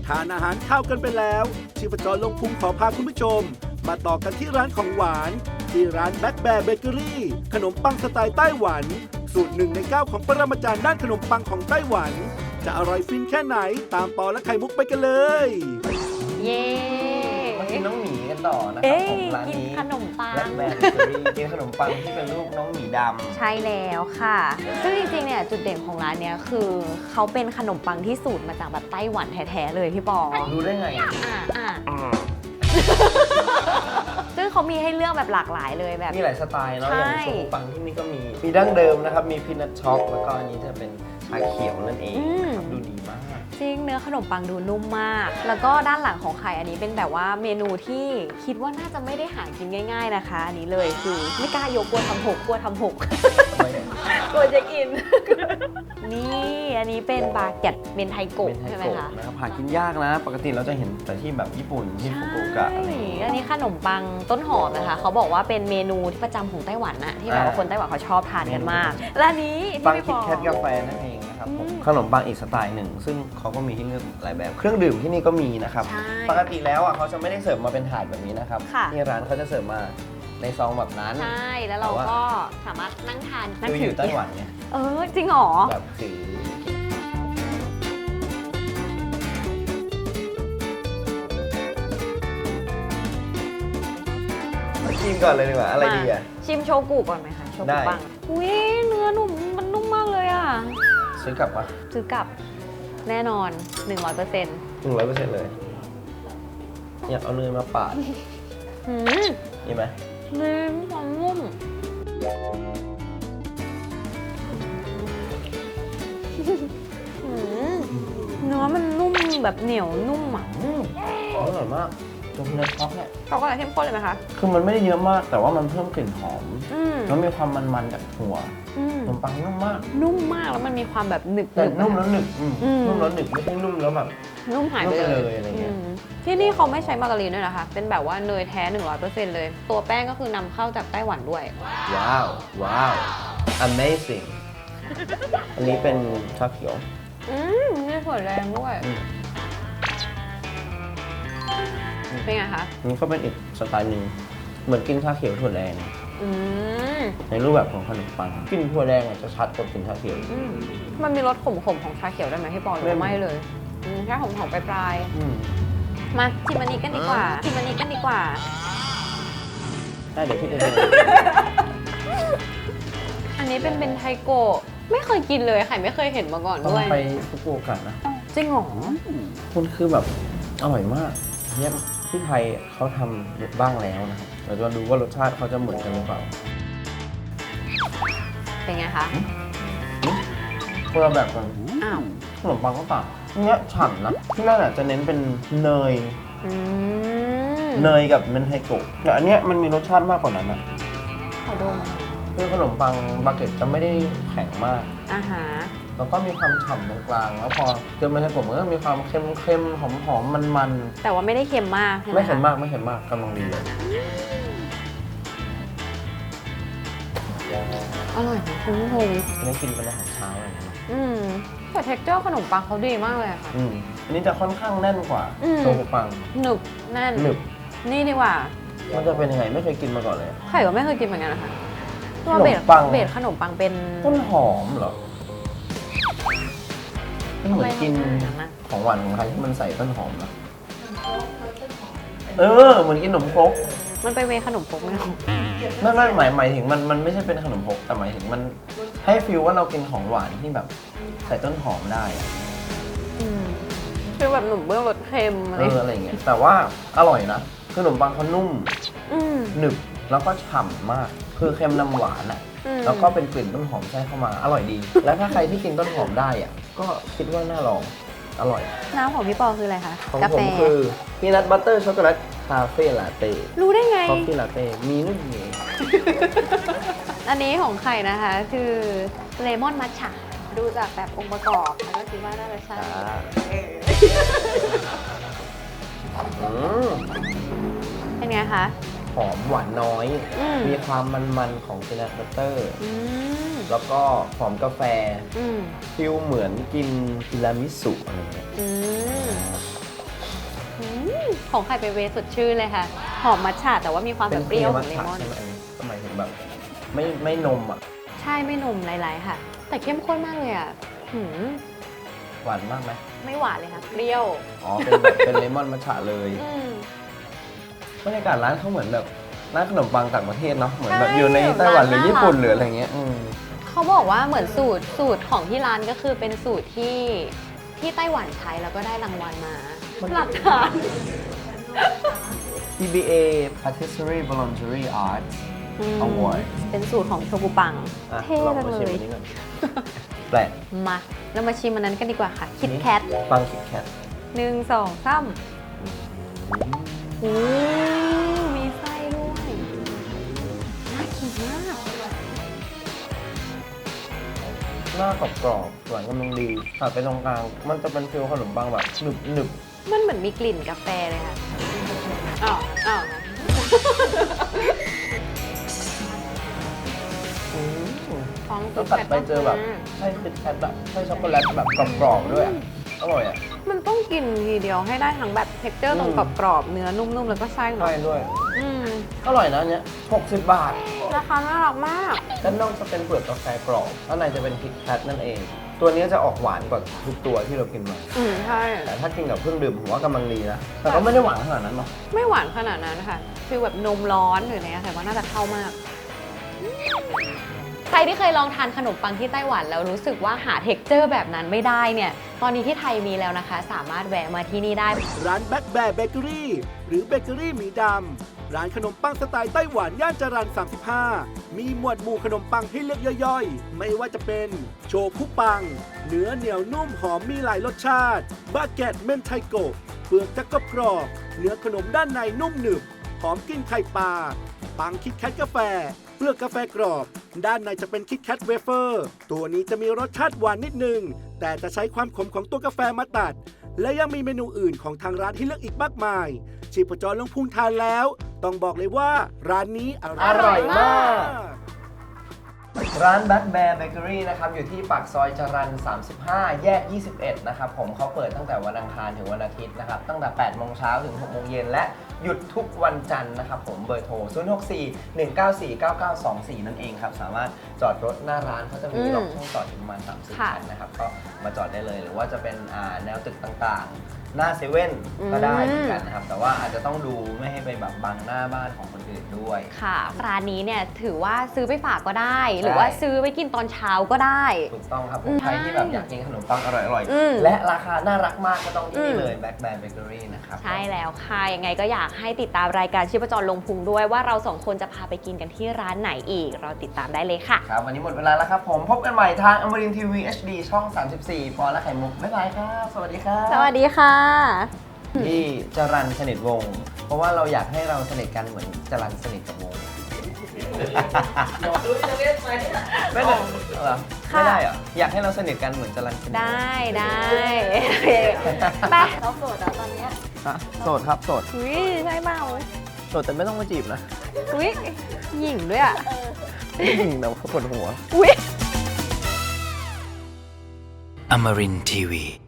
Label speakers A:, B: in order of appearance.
A: ทานอาหารข้าวกันไปแล้วชีพจรลงพุงขอพาคุณผู้ชม มาต่อกันที่ร้านของหวานที่ร้านแบ็คแบร์เบเกอรี่ขนมปังสไตล์ไต้หวันสูตร1 ใน 9ของปรมาจารย์ด้านขนมปังของไต้หวันจะอร่อยฟินแค่ไหนตามปอและไข่มุกไปกันเลย
B: เย้
C: มากินน้องหมีกันต่อนะครับผมร้าน
B: กิน
C: นี้
B: ขนมปัง
C: แบล็คแบร์เบเกอรี่กินขนมปังที่เป็นรูปน้องหมีดำ
B: ใช่แล้วค่ะ ซึ่งจริงๆ เนี่ยจุดเด่นของร้านเนี้ยคือเขาเป็นขนมปังที่สูตรมาจากแบบไต้หวันแท้ๆเลยพี่ปอ
C: รู้ได้ไง
B: อ่ะซึ่งเขามีให้เลือกแบบหลากหลายเลยแบบ
C: มีหลายสไตล์เนาะ
B: ใช่
C: อย่างขนมปังที่นี่ก็มีดั้งเดิมนะครับมีพีนัทช็อกแล้วก็อันนี้จะเป็นชาเขียวนั่นเองนะครับดูดีมาก
B: จริงเนื้อขนมปังดูนุ่มมาก แล้วก็ด้านหลังของไข่อันนี้เป็นแบบว่าเมนูที่คิดว่าน่าจะไม่ได้หากินง่าย ๆนะคะ อันนี้เลยคือไม่กล้ายกกลัวทำหกกลัวทำหก กลัวจะกิน นี่อันนี้เป็นบาเก็ตเมนไทโกะ
C: เป็นไท
B: ใช่ไหม
C: โกะ
B: คะ
C: นะครับหากินยากนะ ปกติเราจะเห็นแต่ที่แบบญี่ปุ่นที่ฟุกุโอกะอะไรอย่างเงี้ย
B: อันนี้ขนมปังต้นหอมนะคะ เขาบอกว่าเป็นเมนูที่ประจำของไต้หวันนะที่แบบว่าคนไต้หวันเขาชอบทานกันมาก และอันนี้ที่
C: ปัง
B: พี่
C: คิ
B: บ
C: ด
B: อก
C: แคทกาแฟนั่นเองนะครับผมขนมปังอีกสไตล์หนึ่งซึ่งเขาก็มีให้เลือกหลายแบบเครื่องดื่มที่นี่ก็มีนะครับ
B: ใช่
C: ปกติแล้วอ่ะเขาจะไม่ได้เสิร์ฟมาเป็นถาดแบบนี้นะครับ
B: ค่ะ
C: ที่ร้านเขาจะเสิร์ฟมาในซองแบบนั้น
B: ใช่แล้วเราก็สามารถนั่งทานนั่ง
C: คืออยู่ไต้หวันไง
B: จริงเหรอ
C: แบบถือชิมก่อนเลยดีกว่าอะไรดีอ่ะ
B: ชิมโชกุก่อนไหมคะโช
C: ได้
B: กุปังอุ้ยเนื้อนุ่มมันนุ่มมากเลยอ่ะ
C: ซื้อกลับปะ
B: ซื้อกลับแน่นอน 100%
C: 100%เลยอยากเอาเนยมาปาด
B: หืม
C: นี่ไหม
B: เนื้อความนุ่มหืมเนื้อมันนุ่มแบบเหนียวนุ่มอ่ะ
C: อร่อยมากตัวเนื้อช็อกเนี่ย
B: ช็อกโกแลตเข้มข้นเลยไหมคะ
C: คือมันไม่ได้เยอะมากแต่ว่ามันเพิ่มกลิ่นหอม
B: อืม
C: แล้วมีความมันๆจากถั่ว
B: อืม
C: ขนมปังนุ่มมาก
B: นุ่มมากแล้วมันมีความแบบหนึบ
C: แต่
B: ๆ
C: นุ่ม
B: อะ
C: แล้วหนึบ
B: อืม
C: นุ่มแล้วหนึบไม่ใช่นุ่มแล้วแบบ
B: นุ่มหายไป
C: นุ่มไป
B: เล
C: เลย ยอะไรเงี้ย
B: ที่นี่เขาไม่ใช้มาการีนด้วยนะคะ เป็นแบบว่าเนยแท้ 100% เลย ตัวแป้งก็คือนำเข้าจากไต้หวันด้วย
C: ว้าว ว้าว amazing อันนี้เป็นชาเขียว
B: มีถั่วแดงด้วย
C: อืม
B: เป็นไงคะ
C: อันนี้ก็เป็นอีกสไตล์หนึ่งเหมือนกินชาเขียวถั่วแดง
B: อืม
C: ในรูปแบบของขนมปังกลินถั่วแดงอาจจะชัดกว่ากลินชาเขียว
B: อืมมันมีรสขมๆของชาเขียวได้ไหมพี่ปอหรือว่าไม่เลยแค่หอมๆปลาย
C: อืม
B: ๆมาชิมอันนี้กันดีกว่าชิมอันนี้กันดีกว่า
C: ได้เดี๋ยวพี่จะดู
B: อันนี้เป็นไทโกะไม่เคยกินเลยไข่ไม่เคยเห็นมาก่อน
C: ต้อง
B: ด้วย
C: ไปฟุกุโอกะนะ
B: จริงเหรอ
C: คุณคือแบบอร่อยมากเนี่ยที่ไทยเขาทำบ้างแล้วนะครับเราจะมาดูว่ารสชาติเขาจะเหมือนกันหรือเปล่า
B: เป็นไงคะ
C: คนละแบบกัน
B: อ้าว
C: ขนมปังก็ต่างเนี้ยฉ่ำนะที่นั่นอ่ะจะเน้นเป็นเนย
B: อืม
C: เนยกับเมนไทโกะแต่อันเนี้ยมันมีรสชาติมากกว่านั้นอ่ะ
B: ขอดม
C: คือขนมปังบาเก็ตจะไม่ได้แข็งมาก
B: อาหาร
C: แล้วก็มีความฉ่ำตรงกลางแล้วพอเจอเมนไทโกะมันก็มีความเค็มๆหอมๆมัน
B: แต่ว่าไม่ได้เค็มมาก
C: ๆ
B: ใช่ไหม
C: ไม่เค็ม
B: คะ
C: มากไม่เค็มมากกำลังดีเลย
B: อร่อยนะคุณผู้ชม
C: อันนี้กินเป็นอาหารเช้าอะไรอย่างเงี้ย
B: แต่เท็กเจอร์ขนมปังเขาดีมากเลยอะค่ะ
C: อันนี้จะค่อนข้างแน่นกว่า
B: อืม
C: โชกุปัง
B: หนึบแน่น
C: หนึบ
B: นี่ดีกว่า
C: มันจะเป็นยังไงไม่เคยกินมาก่อนเลย
B: ไข่ก็ไม่เคยกินเหมือนกันนะคะตัว
C: ขนม
B: เบส
C: ปัง
B: เบสขนมปังเป็น
C: ต้นหอมเหรอมันเหมือนกิน
B: ทำไมมันอย่างนั้นนะ
C: ของหวานของไทยที่มันใส่ต้นหอมนะเหมือนกินขนมครก
B: มันไปเวขนมปกไหมคะ
C: ไม่หมายถึงมันไม่ใช่เป็นขนมครกแต่หมายถึงมันให้ฟีลว่าเรากินของหวานที่แบบใส่ต้นหอมได้อะ
B: คือแบบหนุ่มเบื้องรสเค็มอะไร
C: อะไรอย่างเงี้ยแต่ว่าอร่อยนะคือขนมปังเขานุ่ม
B: อืม
C: หนึบแล้วก็ฉ่ำมาก คือเค็มนำหวานอ่ะ
B: อืม
C: แล้วก็เป็นกลิ่นต้นหอมแทรกเข้ามาอร่อยดี และถ้าใครที่กินต้นหอมได้อ่ะก็คิดว่าน่าลองอร่อย
B: น้ำของพี่ปอคืออะไรคะ
C: ของ
B: กา
C: ผ
B: แฟ
C: มคือพีนัทบัตเตอร์ช็อกโกแลตคาเฟ่ลาเต้
B: รู้ได้ไง
C: คอฟฟี่ลาเต้มีนุ่มเอง
B: อันนี้ของไข่นะคะคือเลมอนมัทฉะดูจากแบบองค์ประกอบแล้วก็คิดว่าน่าจะใช่
C: อืม
B: เป็นไงคะ
C: หอมหวานน้อย
B: อืม
C: มีความมันๆของพีนัทบัตเตอร์
B: อืม
C: แล้วก็หอมกาแฟ
B: อืม
C: ฟิลเหมือนกินทีรามิสุอะไรเงี้ย
B: อืมของไข่เป็นเวย์สดชื่นเลยค่ะ หอมมัทฉะแต่ว่ามีความแบบเปรี้ยวของเลมอน
C: ใช่ไหมอันนี้ก็หมายถึงแบบไม่นมอ่ะ
B: ใช่ไม่นมหลายๆค่ะ แต่เข้มข้นมากเลยอ่ะหืม
C: หวานมากไหม
B: ไม่หวานเลยค่ะ เปรี้ยว
C: อ๋อ เป็นแบบเป็นเลมอนมัทฉะเลย
B: อืม
C: บรรยากาศร้านเขาเหมือนแบบร้านขนมปังต่างประเทศเนาะ เหมือนแบบ
B: ใช่
C: อยู่ในไต้หวันหรือ
B: ร้านน่ารัก
C: ญี่ปุ่นหรืออะไรเงี้ย
B: เขาบอกว่าเหมือนสูตรของที่ร้านก็คือเป็นสูตรที่ไต้หวันใช้แล้วก็ได้รางวัลมาหลักฐาน
C: TBA Patisserie Boulangerie Art
B: อืม
C: Award
B: เป็นสูตรของโชกุปัง
C: อ่ะ
B: เท่
C: ลอง
B: จัง
C: มา
B: เล
C: ชิม
B: ย
C: อันนี้ก่อนแปลก
B: มาเรามาชิมอันนั้นกันดีกว่าค่ะ คิดแคท
C: ปังคิดแคท
B: 1 2 3โอ้มีไส้ด้วยน่ากินมาก
C: หน้ากรอบๆหวานกำลังดีตัดไปตรงกลาง มันจะเป็นฟิลขนมปังแบบหนึบ
B: มันเหมือนมีกลิ่นกาแฟเลยค่ะอ้าว ท้อง
C: แล้วตัดไปเจอแบบไส้คิดแคทแบบไส้ช็อกโกแลตแบบกรอบๆด้วยอะอร่อยอ่ะ
B: มันต้องกินทีเดียวให้ได้ทั้งแบบเท็กเจอร์ตรงกรอบๆเนื้อนุ่มๆแล้วก็ไส้เนาะ
C: ใช่ด้วย
B: อืม
C: อร่อยนะอันเนี้ย60 บาท
B: ราคาน่ารักมาก
C: ด้านนอกจะเป็นเปลือกกาแฟกรอบด้านในจะเป็นคิดแคทนั่นเอง ตัวนี้จะออกหวานกว่าทุกตัวที่เรากินมา
B: ใช่
C: แต่ถ้ากินกับเครื่องดื่มผมว่ากำลังดีนะ แต่ก็ไม่ได้หวานขนาดนั้นเนาะ
B: ไม่หวานขนาดนั้นค่ะฟีลแบบนมร้อนหรืออะไรเงี้ยแต่ว่าน่าจะเข้ามาก ใครที่เคยลองทานขนมปังที่ไต้หวันแล้วรู้สึกว่าหาเท็กเจอร์แบบนั้นไม่ได้เนี่ย ตอนนี้ที่ไทยมีแล้วนะคะ สามารถแวะมาที่นี่ได้
A: ร้านแบ็คแบร์เบเกอรี่หรือเบเกอรี่หมีดำ ร้านขนมปังสไตล์ไต้หวันย่านจรัญ35 มีหมวดหมู่ขนมปังให้เลือกย่อยๆ ไม่ว่าจะเป็นโชคุปัง เนื้อเหนียวนุ่มหอมมีหลายรสชาติ บาเกตเมนไทโกะเปลือกจะกรอบๆเนื้อขนมด้านในนุ่มหนึบ หอมกลิ่นไข่ปลา ปังคิดแคทกาแฟ เปลือกกาแฟกรอบ ด้านในจะเป็นคิดแคทเวเฟอร์ ตัวนี้จะมีรสชาติหวานนิดนึง แต่จะใช้ความขมของตัวกาแฟมาตัด และยังมีเมนูอื่นของทางร้านให้เลือกอีกมากมาย ชีพจรลงพุงทานแล้ว ต้องบอกเลยว่าร้านนี้อ
C: อร่อยมาก
A: ก
C: ร้าน Black Bear Bakery นะครับ อยู่ที่ปากซอยจรัญ35 แยก 21 นะครับผมเขาเปิดตั้งแต่วันอังคารถึงวันอาทิตย์นะครับ ตั้งแต่ 8 โมงเช้าถึง 6 โมงเย็นและหยุดทุกวันจันทร์นะครับผมเบอร์โทร 064 194 9924 นั่นเองครับ สามารถจอดรถหน้าร้านเขาจะมีล็อกช่องจอดอยู่ประมาณ 30
B: ค่ะ
C: คันนะครับ ก็มาจอดได้เลย หรือว่าจะเป็นแนวตึกต่างๆ หน้าเซเว่นก็ได้เหมือนกันนะครับ แต่ว่าอาจจะต้องดูไม่ให้ไปแบบบังหน้าบ้านของคนอื่นด้วย
B: ค่ะ ร้านนี้เนี่ยถือว่าซื้อไปฝากก็ได้ หรือว่าซื้อไปกินตอนเช้าก็ได้
C: ถูกต้องครับผมใครที่แบบอยากกินขนมปังอร่อย
B: อืม
C: ๆ และราคาน่ารักมากก็ต้องที่นี่
B: อืม
C: เลย Black Bear Bakery นะครับ
B: ใช่แล้วค่ะ ยังไงก็อยากให้ติดตามรายการชีพจรลงพุงด้วยว่าเราสองคนจะพาไปกินกันที่ร้านไหนอีก เราติดตามได้เลยค่ะ
C: ครับ วันนี้หมดเวลาแล้วครับผม พบกันใหม่ทางอมรินทีวี HD ช่อง 34 ปอและไข่มุก บ๊ายบายครับ สวัสดีครับ
B: สวัสดีค่ะ
C: ที่จรัญสนิทวงศ์เพราะว่าเราอยากให้เราสนิทกันเหมือนจรัญสนิทกับวงไม่ได้เหรอ
B: ค่ะ
C: ไม่ได้เหรอ อยากให้เราสนิทกันเหมือนจรัญสนิทวงศ์
B: ได้ไปเราโสดแล้วตอนเนี้ย
C: อ่ะโสดครับโสด
B: อุ้ยใช่เปล่า
C: โสดแต่ไม่ต้องมาจีบนะ
B: อุ้ยหญิงด้วยอ่ะ
C: แต่ว่าปวดหัว
B: อุ้ย
D: Amarin Tiwi.